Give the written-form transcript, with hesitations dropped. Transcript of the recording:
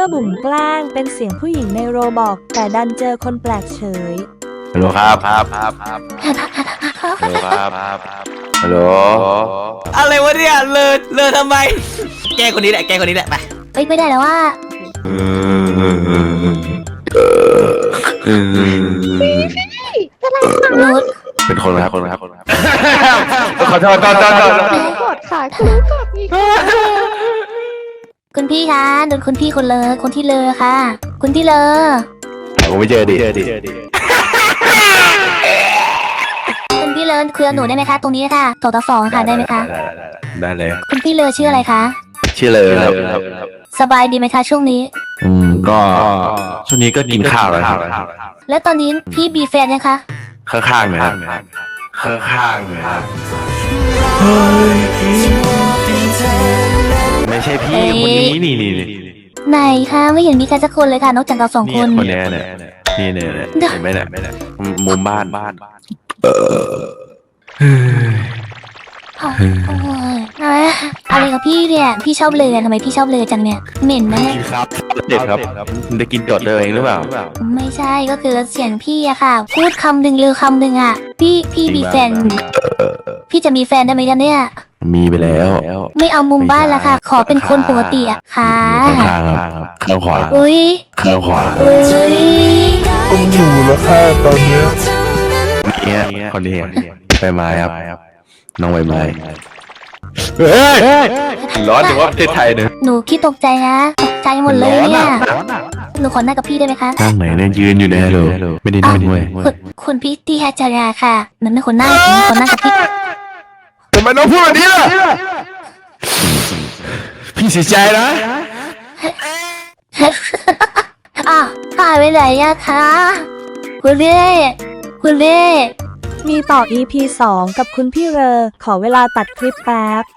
บุ๋มแกล้งเป็นเสียงผู้หญิงในโรบอกแต่ดันเจอคนแปลกเฉยฮัลโหลครับฮัลโหลครับฮัลโหลอะไรวะเนี่ยเลอทำไมแกคนนี้แหละไปไม่ได้แล้วว่าหนูเป็นคนครับขอโทษกดค่ะกดอีกคุณพี่คะโดนคุณพี่คนที่เลอค่ะ คุณที่เลอผมไม่เจอดิคุณพี่เลอคุยกับหนูได้ไหมคะตรงนี้ค่ะ2 ต่อ 2ค่ะได้ไหมคะได้เลยคุณพี่เลอชื่ออะไรคะชื่อเลยครับสบายดีไหมคะช่วงนี้ก็ช่วงนี้ก็กินข้าวแล้วครับแล้วตอนนี้พี่มีแฟนยังคะข้างๆเลยครับข้างๆเลยครับไม่ใช่พี่คนนี้นี่ไหนคะไม่เห็นมีใครสักคนเลยค่ะนอกจากเรา2 คนคนนี้เนี่ยนี่เห็นไหมเนี่ยมุมบ้านอะไรกับพี่เนี่ยพี่ชอบเลยทำไมพี่ชอบเลยจังเนี่ยเหม็นนะกินครับเด็ดครับมันจะกินจดเลยเองหรือเปล่าไม่ใช่ก็คือเสียงพี่อะค่ะ พูดคำหนึ่งลือคำหนึ่งอะพี่มีแฟนพี่จะมีแฟนได้ไหมกันเนี่ยมีไปแล้วไม่เอามุมบ้านละค่ะ ขอเป็นคนปกติอะค่ะข้างครับข้างขวาอุ้ยข้างขวาอุ้ยต้องอยู่แล้วค่ะตอนเนี้ยเนี่ยคนนี้ใบไม้ครับน้องใบไม้ร้อนถือว่าประเทศไทยเนี่ยหนูคิดตกใจนะตกใจหมดเลยเนี่ยหนูขอนั่งกับพี่ได้ไหมคะนั่งไหนเนี่ยยืนอยู่เนี่ยฮัลโหลไม่ได้นั่งเว้ยคุณพี่ที่แฮจาราค่ะมันไม่คนนั่งกับพี่ทำไมน้องพูดแบบนี้ล่ะพี่เสียใจนะหายไปไหนอะคะคุณเล่มีต่อ EP 2 กับคุณพี่เรอขอเวลาตัดคลิปแป๊บ